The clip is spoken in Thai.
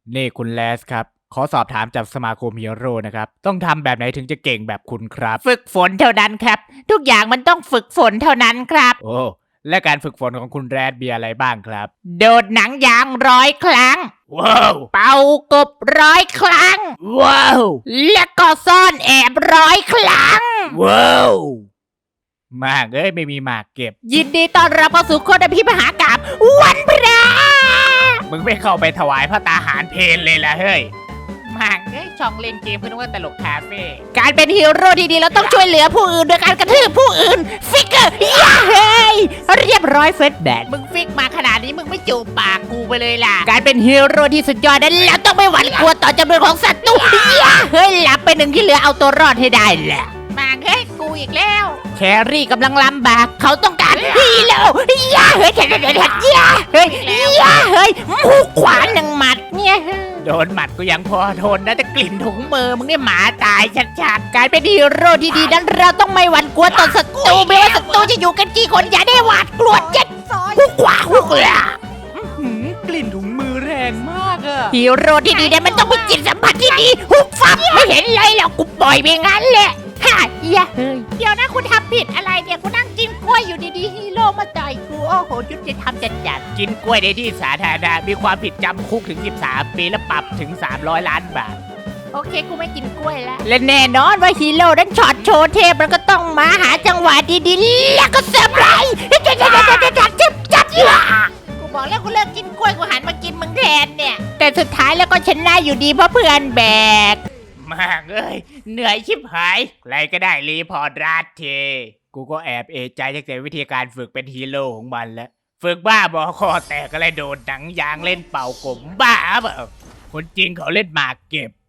นี่คุณแลสครับขอสอบถามจากสมาคมฮีโร่นะครับต้องทำแบบไหนถึงจะเก่งแบบคุณครับฝึกฝนเท่านั้นครับทุกอย่างมันต้องฝึกฝนเท่านั้นครับโอ้และการฝึกฝนของคุณแรดมีอะไรบ้างครับโดดหนังยาง100 ครั้งว้าวเป่ากบ100 ครั้งว้าวและก็ซ่อนแอบ100 ครั้งว้าวมากไม่มีหมากเก็บยินดีต้อนรับเข้าสู่โคตรพิมหากาพย์วันพระมึงไม่เข้าไปถวายพระตาหารเพลเลยล่ะเฮ้ยมากช่องเล่นเกมเพื่อนว่าตลกคาเฟ่การเป็นฮีโร่ที่ดีเราต้องช่วยเหลือผู้อื่นโดยการกระทืบผู้อื่นฟิกเกอร์ย่าเฮ้ยเรียบร้อยเฟสแบดมึงฟิกมาขนาดนี้มึงไม่จูบปากกูไปเลยล่ะการเป็นฮีโร่ที่สุดยอดนั้นเราต้องไม่หวั่นกลัวต่อจำนวนของศัตรูย่าเฮ้ยหลับไปหนึ่งที่เหลือเอาตัวรอดให้ได้แหละมากูอีกแล้วแครี่กำลังลำบากเขาต้องการฮีโร่ย่าเฮ้ยย่าเฮ้ยย่าเฮ้ยหูขวานหนึ่งหมัดเนี่ยโดนหมัดก็ยังพอทนนะแต่กลิ่นถุงมือมึงนี่หมาตายชัดๆการเป็นฮีโร่ที่ดีนั้นเราต้องไม่หวั่นกลัวต่อศัตรูไม่ว่าศัตรูจะอยู่กันกี่คนอย่าได้หวาดกลัวเจ็ดหูขวาหูกละกลิ่นถุงมือแรงมากอะฮีโร่ที่ดีนั้นมันต้องมีจิตสัมผัสที่ดีหุบฟับไม่เห็นเลยหรอกกูปล่อยไปงั้นแหละฮ่าเฮ้ยเดี๋ยวนะคุณทำผิดอะไรเนี่ยกูนั่งกินกล้วยอยู่ดีๆฮีโร่มาต่อยกูโอ้โหยุติธรรมจัดกินกล้วยในที่สาธารณะมีความผิดจำคุกถึง13 ปีและปรับถึง300 ล้านบาทโอเคกูไม่กินกล้วยแล้วและแน่นอนว่าฮีโร่นั้นช็อตโชว์เทพมันก็ต้องมาหาจังหวะดีๆแล้วก็เซอร์ไพรส์จับกูบอกแล้วกูเลิกกินกล้วยกูหันมากินมึงแทนเนี่ยแต่สุดท้ายแล้วก็ชนะอยู่ดีเพราะเพื่อนแบกมากเหนื่อยชิบหายใครก็ได้รีพอร์ตรัดเทกูก็แอบเอะใจจากวิธีการฝึกเป็นฮีโร่ของมันแล้วฝึกบ้าบอคอแตกอะไรโดดหนังยางเล่นเป่ากลมบ้าเปล่าคนจริงเขาเล่นหมากเก็บ